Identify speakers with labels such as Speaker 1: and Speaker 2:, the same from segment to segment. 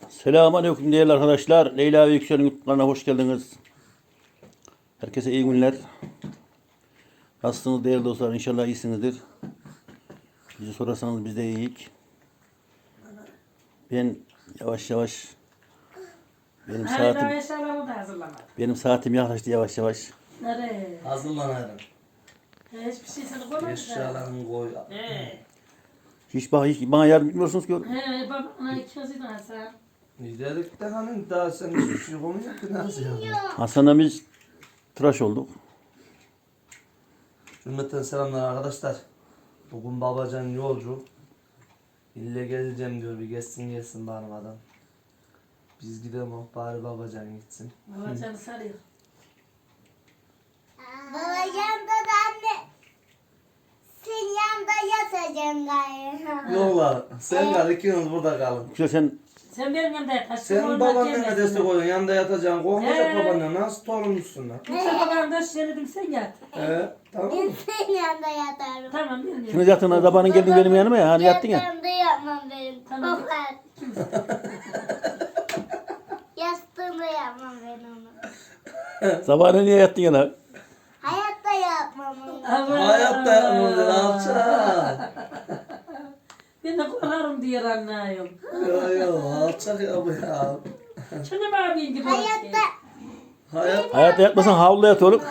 Speaker 1: Selamünaleyküm değerli arkadaşlar. Leyla ve Yüksel'in YouTube'larına hoş geldiniz. Herkese iyi günler. Nasılsınız değerli dostlar? İnşallah iyisinizdir. Bizi sorarsanız biz de iyiyiz. Ben yavaş yavaş benim saatim yaklaştı yavaş yavaş.
Speaker 2: Nereye?
Speaker 3: Hazırlanırım.
Speaker 2: Hiçbir şey sana koymadı da.
Speaker 3: Eşyalarını koy.
Speaker 1: Hiç bana yardım etmiyorsunuz ki.
Speaker 2: Babana ikimizi de alsam.
Speaker 3: Dedik de hani daha sen hiçbir şey konuşuyor ki nasıl yani?
Speaker 1: Hasan'la biz tıraş olduk.
Speaker 3: Cümleten selamlar arkadaşlar. Bugün babacan yolcu. İlle geleceğim diyor, bir gelsin bağırmadan. Biz gidelim, bari babacan gitsin.
Speaker 2: Babacanı sarıyor.
Speaker 4: Babacığım da anne. Sen yanında yatacaksın galiba.
Speaker 3: Yollar, sen kal, ikiniz burada kalın.
Speaker 1: Yüksel
Speaker 2: Sen benim yanımda yat.
Speaker 3: Sen babaannene destek oluyorsun, yanında yatacaksın. Korkmayacak babaannen, nasıl torunmuşsun lan?
Speaker 2: Yüksel babanın da söyledim sen yat.
Speaker 3: Tamam mı?
Speaker 4: Senin yanında yatarım.
Speaker 2: Tamam benim
Speaker 1: şimdi
Speaker 2: yanımda.
Speaker 1: yatın zamanın geldin benim yanıma ya. Hani yattın ya.
Speaker 4: Yatağımda yapmam benim.
Speaker 2: Tamam.
Speaker 4: Baba. Yastığımda yapmam ben onu.
Speaker 1: Sabahına niye yattın yana?
Speaker 4: Hayatta yapmam onu.
Speaker 3: Hayatta yapmadı, ne yapacaksın?
Speaker 2: Ben de korkarım diyor anlayım.
Speaker 3: Yok, alçak ya bu ya.
Speaker 2: Şunu abim gibi.
Speaker 4: Hayatta.
Speaker 1: Hayatta yatmasan havluda yat oğlum.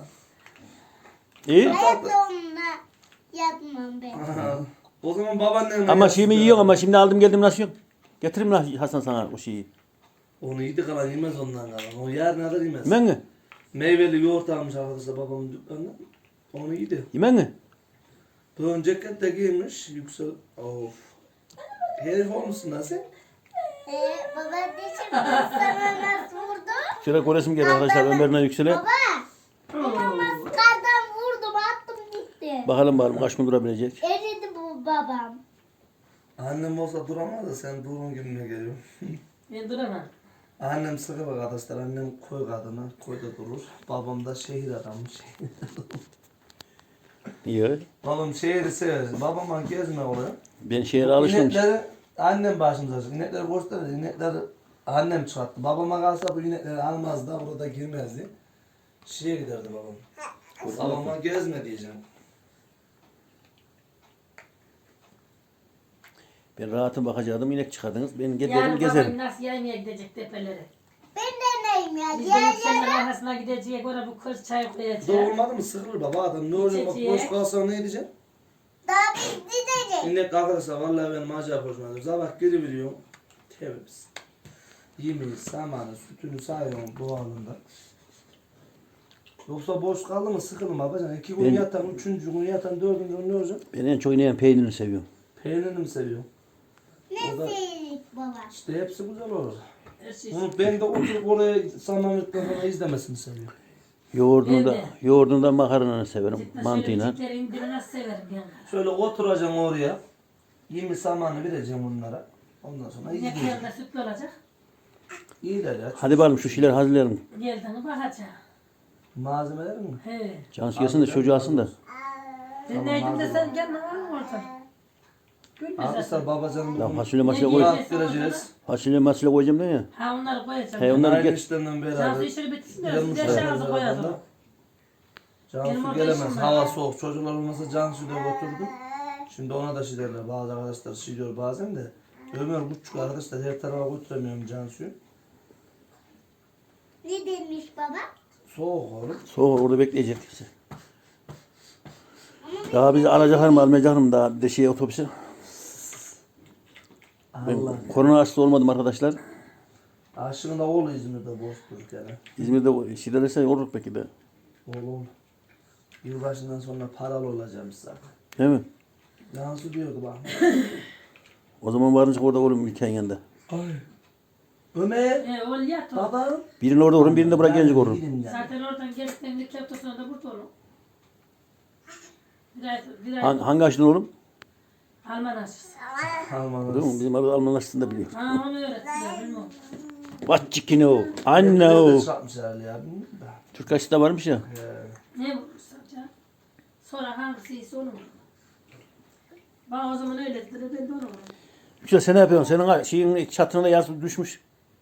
Speaker 1: İyi.
Speaker 4: Hayatta onunla yatmam ben.
Speaker 3: O zaman babaannen...
Speaker 1: Ama şeyimi yiyorsun ama şimdi aldım geldim nasıl yiyorsun? Getireyim lan Hasan sana o şeyi.
Speaker 3: Onu yedi kalan yemez ondan kalan. O yarın kadar yemez.
Speaker 1: Yemen mi?
Speaker 3: Meyveli yoğurt almış arkadaşlar babamın dükkanından. Onu yedi.
Speaker 1: Yemen mi?
Speaker 3: Bugün ceket de giymiş. Yüksel. Of. Herif olmuşsun lan sen.
Speaker 4: Baba dişim sana nasıl vurdu?
Speaker 1: Şöyle koresim geldi arkadaşlar Ömer'le Yüksel'e.
Speaker 4: Baba. Maskardan vurdum attım gitti.
Speaker 1: Bakalım kaç gün durabilecek.
Speaker 4: Eridi bu babam.
Speaker 3: Annem olsa duramaz da sen durun gibime geliyor.
Speaker 2: Ben duramam.
Speaker 3: Annem sıkı bak arkadaşlar. Annem koy kadını. Koyda durur. Babam da şehir adamı.
Speaker 1: İyi.
Speaker 3: Babam şehri sever. Babama gezme oluyor.
Speaker 1: Ben şehre alıştım.
Speaker 3: İnekleri annem başımıza açık. İnekleri göstermedi. İnekleri annem çıkarttı. Babama kalsa bu inekleri almazdı. Burada girmezdi. Şeye giderdi babam. Babama gezme diyeceğim.
Speaker 1: Ben rahatım bakacaktım inek çıkardınız. Ben
Speaker 2: Yarın
Speaker 1: giderim gezerim.
Speaker 2: babam nasıl yaymaya gidecek tepelere.
Speaker 4: Ben de neyim ya?
Speaker 2: Biz
Speaker 4: Gel
Speaker 2: de yükselin
Speaker 4: gel.
Speaker 2: arkasına gideceğiz. Orada bu kız çay koyacak.
Speaker 3: Doğurmadı mı sıkılır baba adam. Ne olacak bak boş kalsa ne edeceğim?
Speaker 4: Daha biz gideceğiz.
Speaker 3: İnek arkadaşlar vallahi benim acayip hoşuma gidiyor. Sabah geri veriyorum. Temiz. Yemeği, samanı, sütünü sayıyorum doğalında. Yoksa boş kaldı mı sıkılır babacan. 2 gün
Speaker 1: Ben-
Speaker 3: yatan, 3. gün yatan, 4. gün ne olacak?
Speaker 1: Ben en çok ineğin peynirini seviyorum.
Speaker 3: Peynirini mi seviyorum?
Speaker 4: Ne
Speaker 3: O da-
Speaker 4: seyirlik baba?
Speaker 3: İşte hepsi güzel olur.
Speaker 2: Her şey.
Speaker 3: Bunu ben de oturup oraya Samanlık'tan sonra izlemesini seviyorum.
Speaker 1: Yoğurdunda,
Speaker 2: Evet.
Speaker 1: yoğurdunda makarnanı severim. Mantığıyla.
Speaker 2: Şöyle indirin nasıl severim yani.
Speaker 3: Şöyle oturacağım oraya. Yemi samanı vereceğim onlara. Ondan sonra izleyeceğim.
Speaker 2: İneklerinde sütlü olacak.
Speaker 3: İyiler ya.
Speaker 1: Hadi bakalım şu şeyler hazırlayalım.
Speaker 2: Geldiğini bakacağım.
Speaker 3: Malzemeler mi?
Speaker 2: He.
Speaker 1: Cansu gelsin de çocuğu alsın da.
Speaker 2: Ben neydim de sen gelme var mı orada? Gülme
Speaker 3: Arkadaşlar
Speaker 2: zaten.
Speaker 3: babacanın
Speaker 1: Ya
Speaker 3: bugün
Speaker 1: fasulye masaya
Speaker 2: Ne
Speaker 1: koy.
Speaker 2: diyeceğiz?
Speaker 3: rahat vereceğiz.
Speaker 1: Fasulye masaya koyacağım da ya.
Speaker 2: Ha onları koyacağım.
Speaker 1: He, onları
Speaker 3: Aynı
Speaker 1: get.
Speaker 3: işlerinden
Speaker 2: Cansu
Speaker 3: beraber.
Speaker 2: işini bitirsin de
Speaker 3: Gelmişler
Speaker 2: size şarjı
Speaker 3: beraber.
Speaker 2: koyalım. Benim
Speaker 3: Cansu
Speaker 2: orada
Speaker 3: gelemez.
Speaker 2: işim var.
Speaker 3: Hava soğuk. Çocuklar olmasa Cansu'yu da götürdüm. Şimdi ona da şey derler. Bazı arkadaşlar şey diyor bazen de. Ömer küçük arkadaşlar her tarafa götüremiyorum Cansu'yu.
Speaker 4: Ne demiş baba?
Speaker 3: Soğuk oğlum.
Speaker 1: Soğuk orada bekleyecek. Daha bizi alacaklar mı almayacaklar mı daha bir de şeye otobüse. Ben
Speaker 3: Allah.
Speaker 1: korona hastası olmadım arkadaşlar.
Speaker 3: Aşığında oğlu İzmir'de boş durduk yani.
Speaker 1: İzmir'de şiddetlerse olur peki de.
Speaker 3: Oğlum. Yılbaşından sonra paralı olacağım zaten.
Speaker 1: Değil mi?
Speaker 3: Cansu diyordu bak.
Speaker 1: O zaman varınca orada oğlum ülkenin yanında.
Speaker 3: Ay. Ömer.
Speaker 2: Ol yat o.
Speaker 3: Baba.
Speaker 1: Birini orada vurun birini de buraya gelince vurun.
Speaker 2: Zaten oradan geldiklerinde iki hafta sonra da burada olur. Bir ay
Speaker 1: Hangi aşıdan oğlum?
Speaker 2: Alman aşısı.
Speaker 1: Değil mi?
Speaker 3: Almanız.
Speaker 1: Bizim arada Alman aşısını da biliyor.
Speaker 2: Ha onu öğrettiler bilmiyorum.
Speaker 1: What you know? I
Speaker 3: Ne
Speaker 1: know.
Speaker 3: çarpmış herhalde ya. Bilmiyorum da.
Speaker 1: Türk aşısı da varmış ya.
Speaker 2: Ne vurursa can. Sonra hangisiyse onu vurur. Bana o zaman öyle dediler ben de onu vurdum.
Speaker 1: Yüksel sen ne yapıyorsun? Senin şeyin çatına yazı düşmüş.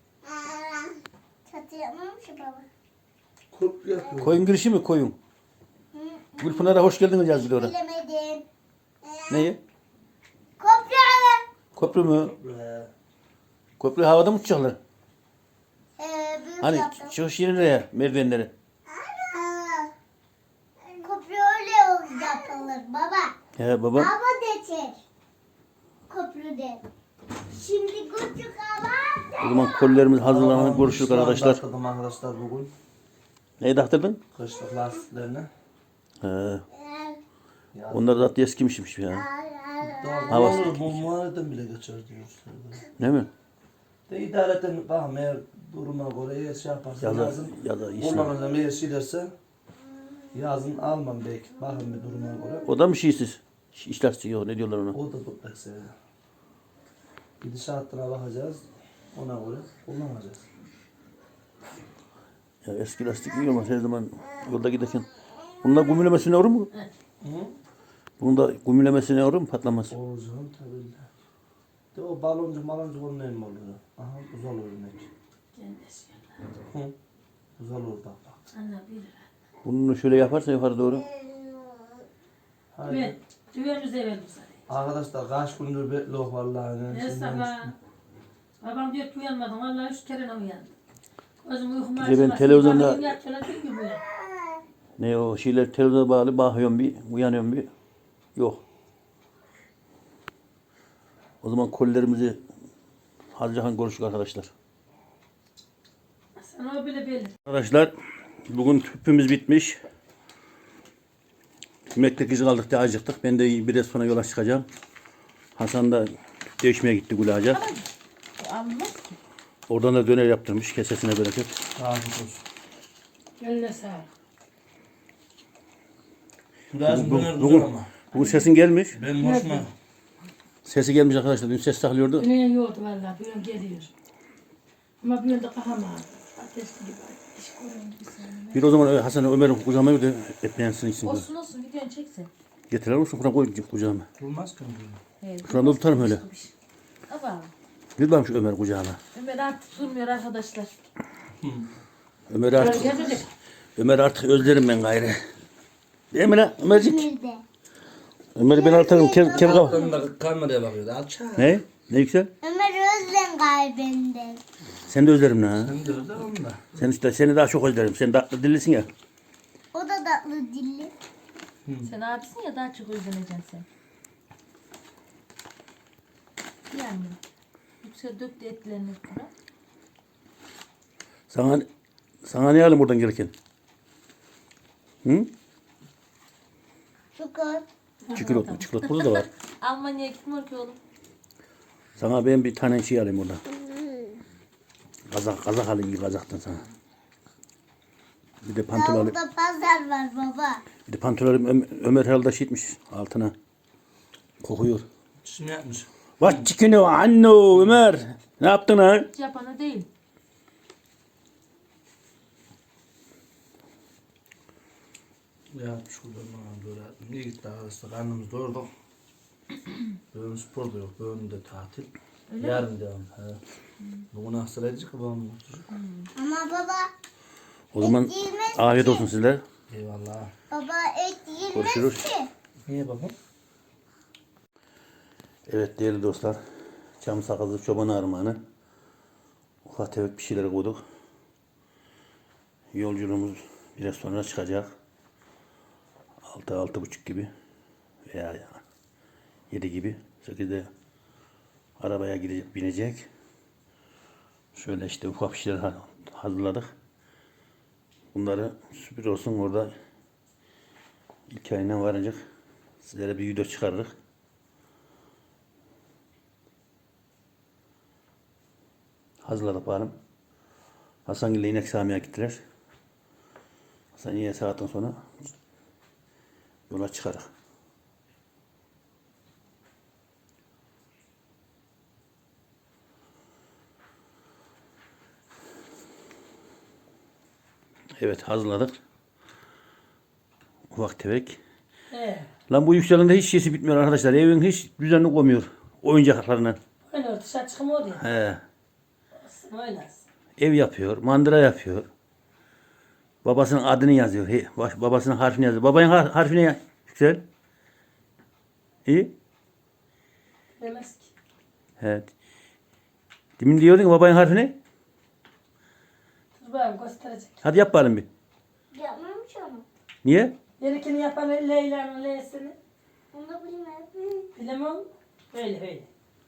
Speaker 4: Çatı yapmamış baba.
Speaker 3: Kurt yapıyor.
Speaker 1: Koyun girişi mi koyun? Gülpınar'a hoş geldiniz yaz bir de oraya.
Speaker 4: Bilemedim.
Speaker 1: Neyi?
Speaker 4: Kopya.
Speaker 1: Köprü mü?
Speaker 3: Ee,
Speaker 1: Köprü havada mı uçacaklar?
Speaker 4: Büyük
Speaker 1: Hani
Speaker 4: yaptım.
Speaker 1: çıkış yerine ya merdivenleri.
Speaker 4: Kopya öyle yapılır baba.
Speaker 1: He baba.
Speaker 4: Hava geçer. Köprüde. Şimdi küçük hava.
Speaker 1: O zaman kolilerimiz hazırlanıp görüşürüz
Speaker 3: Şu anda
Speaker 1: arkadaşlar.
Speaker 3: taktırdım arkadaşlar bugün.
Speaker 1: Neyi taktırdın?
Speaker 3: Kışlık lastiklerini.
Speaker 1: He.
Speaker 3: Ya,
Speaker 1: Onlar da eskimişmiş ya.
Speaker 3: daha
Speaker 1: Hava-
Speaker 3: olur, bu muharetten bile geçer diyorlar.
Speaker 1: Değil mi?
Speaker 3: De idareten bakın eğer duruma göre eğer şey yaparsa
Speaker 1: Ya da-
Speaker 3: yazın.
Speaker 1: ya da işine.
Speaker 3: Kullanacağım eğer şeylerse yazın almam belki. Bakın bir duruma göre.
Speaker 1: O da mı şeysiz? İşler yok ne diyorlar ona?
Speaker 3: O da dutlak seviyor. Gidişatına bakacağız. Ona göre kullanacağız.
Speaker 1: Ya eski lastik iyi olmaz her zaman yolda giderken. Bunda gümülemesine olur mu?
Speaker 3: Hı?
Speaker 1: Bunda gümülemesine olur mu patlamaz?
Speaker 3: Olur canım tabii de. De o baloncu onun ne mi olur? Aha uzal örnek. Hı. Uzal olur bak bak.
Speaker 2: Anne bir.
Speaker 1: Bunu şöyle yaparsa yukarı doğru.
Speaker 3: Haydi.
Speaker 2: Düven. Düvenimize verelim sana.
Speaker 3: Arkadaşlar kaç gündür bekliyor vallahi.
Speaker 2: Ne sabah. Babam diyor ki uyanmadım. Vallahi 3 kere uyandım. Gözüm uykum
Speaker 1: Bir de ben televizyonda-
Speaker 2: Yatıyorlar gibi böyle.
Speaker 1: Ne o şeyler televizyona bağlı bakıyorum bir uyanıyorum bir. Yok. O zaman kolilerimizi harcahan görüşürüz arkadaşlar.
Speaker 2: Sen o bile belli.
Speaker 1: Arkadaşlar bugün tüpümüz bitmiş. Yemeklik izi kaldık diye acıktık. Ben de biraz sonra yola çıkacağım. Hasan da tüp değişmeye gitti Gülağaca.
Speaker 2: Almaz ki.
Speaker 1: Oradan da döner yaptırmış. Kesesine bereket.
Speaker 3: Afiyet olsun.
Speaker 2: Eline sağlık.
Speaker 3: Biraz
Speaker 1: Bugün,
Speaker 3: döner
Speaker 1: bugün,
Speaker 3: güzel ama.
Speaker 1: bugün sesin gelmiş.
Speaker 3: Benim hoşuma.
Speaker 1: Sesi gelmiş arkadaşlar. Dün ses saklıyordu.
Speaker 2: Dünya yoğurdu vallahi. Bir yön geliyor. Ama bir yönde kafam ağrıyor. Ateşli gibi. Diş koyun gibi sen.
Speaker 1: Bir o zaman Hasan Ömer'in kucağıma verdi. Etleyensin için.
Speaker 5: Olsun olsun videonu çeksin.
Speaker 1: Getirir misin? Buna koy kucağıma.
Speaker 3: Durmaz ki.
Speaker 5: Evet.
Speaker 1: Şuradan da tutarım öyle.
Speaker 5: Ama
Speaker 1: Bir bakayım şu Ömer kucağına.
Speaker 5: Ömer artık durmuyor arkadaşlar.
Speaker 1: Ömer artık,
Speaker 2: Gelecek.
Speaker 1: Ömer artık özlerim ben gayrı. Değil mi lan Ömercik?
Speaker 4: Nerede?
Speaker 1: Ömer'i ben artık kem kafa.
Speaker 3: Ömer kameraya bakıyordu. Alçak.
Speaker 1: Ne? Ne yüksel?
Speaker 4: Ömer Özlem kalbinde.
Speaker 1: Sen de özlerim lan.
Speaker 3: Sen de öyle onu da.
Speaker 1: Sen işte seni daha çok özlerim. Sen tatlı dillisin ya.
Speaker 4: O da tatlı dilli.
Speaker 5: Sen abisin ya daha çok özleneceksin sen. Yani. Yüksel döktü etlerini bura.
Speaker 1: Sana ne alayım buradan gelirken? Hı?
Speaker 4: Çukur.
Speaker 1: Çikolata. Çikolata burada da var.
Speaker 5: Almanya'ya gitmiyor ki oğlum.
Speaker 1: Sana ben bir tane şey alayım oradan. Kazak alayım iyi kazaktan sana. Bir de pantol alayım.
Speaker 4: Orada pazar var baba.
Speaker 1: Bir de pantol alayım. Ömer herhalde şey etmiş altına. Kokuyor.
Speaker 3: Şimdi yapmış.
Speaker 1: What chicken o anno Ömer. Ne yaptın ha?
Speaker 5: Hiç yapanı değil.
Speaker 3: Ya şurada bana böyle niye gitti arkadaşlar karnımız doyurduk. Bugün spor da yok. Bugün de tatil. Yarın devam. He. Bugün Aksaray'cık babam oturacak.
Speaker 4: Ama baba,
Speaker 1: O zaman afiyet olsun sizler.
Speaker 3: Eyvallah.
Speaker 4: baba et yenmez
Speaker 1: Görüşürüz.
Speaker 4: ki.
Speaker 3: Niye babam?
Speaker 1: Evet değerli dostlar. Çam sakızı çoban armağanı. Ufak tefek bir şeyler koyduk. Yolculuğumuz biraz sonra çıkacak. 6-6.30 gibi veya 7 gibi 8'de arabaya gidecek, binecek. Şöyle işte ufak bir şeyler hazırladık. Bunları sürpriz olsun orada ilk ayından varacak. Sizlere bir video çıkarırız. Hazırladık bakalım. Hasan ile inek sağmaya gittiler. Hasan yine saatten sonra yola çıkarız. Evet hazırladık. Ufak tefek. Lan bu yükselende hiç şeysi bitmiyor arkadaşlar. Evin hiç düzenli koymuyor. Oyuncaklarından.
Speaker 2: dışarı çıkmıyor ya.
Speaker 1: He.
Speaker 2: Öyle.
Speaker 1: Ev yapıyor, mandıra yapıyor. Babasının adını yazıyor. Babasının harfini yazıyor. Babanın harfini Yüksel. İyi.
Speaker 2: Demez ki.
Speaker 1: Evet. Demin diyordun ki babanın harfini.
Speaker 2: Dur bakalım gösterecek.
Speaker 1: Hadi yap bakalım bir.
Speaker 4: Yapmamış onu.
Speaker 1: Niye?
Speaker 2: Gerekeni yapan Leyla'nın L'sini.
Speaker 4: Onu da bilmem.
Speaker 2: Bilemem. Öyle öyle.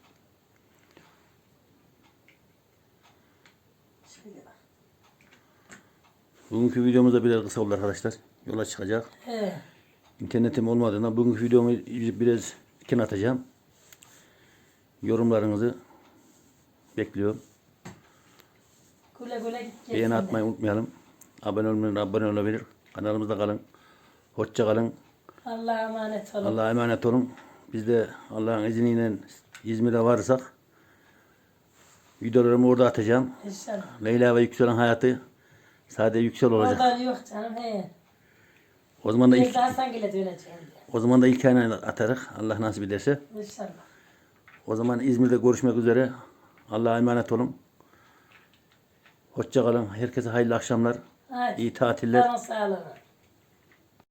Speaker 2: Şöyle bak.
Speaker 1: Bugünkü videomuz da biraz kısa oldu arkadaşlar. Yola çıkacak.
Speaker 2: He.
Speaker 1: İnternetim olmadığından bugünkü videomu biraz kenara atacağım. Yorumlarınızı bekliyorum.
Speaker 2: Güle güle git gelsin
Speaker 1: Beğeni
Speaker 2: de.
Speaker 1: atmayı unutmayalım. Abone olabilir. Kanalımızda kalın. Hoşça kalın.
Speaker 2: Allah'a emanet olun.
Speaker 1: Allah'a emanet olun. Biz de Allah'ın izniyle İzmir'e varırsak videolarımı orada atacağım.
Speaker 2: İnşallah.
Speaker 1: Leyla ve Yüksel'in hayatı sade Yüksel olacak.
Speaker 2: Oradan yok canım he.
Speaker 1: O zaman da
Speaker 2: Bir
Speaker 1: ilk
Speaker 2: daha sen gele döneceğim diye.
Speaker 1: o zaman da ilk ayına atarız. Allah nasip ederse.
Speaker 2: İnşallah.
Speaker 1: O zaman İzmir'de görüşmek üzere. Allah'a emanet olun. Hoşça kalın. Herkese hayırlı akşamlar.
Speaker 2: Hadi.
Speaker 1: İyi tatiller.
Speaker 2: Canın sağlığı.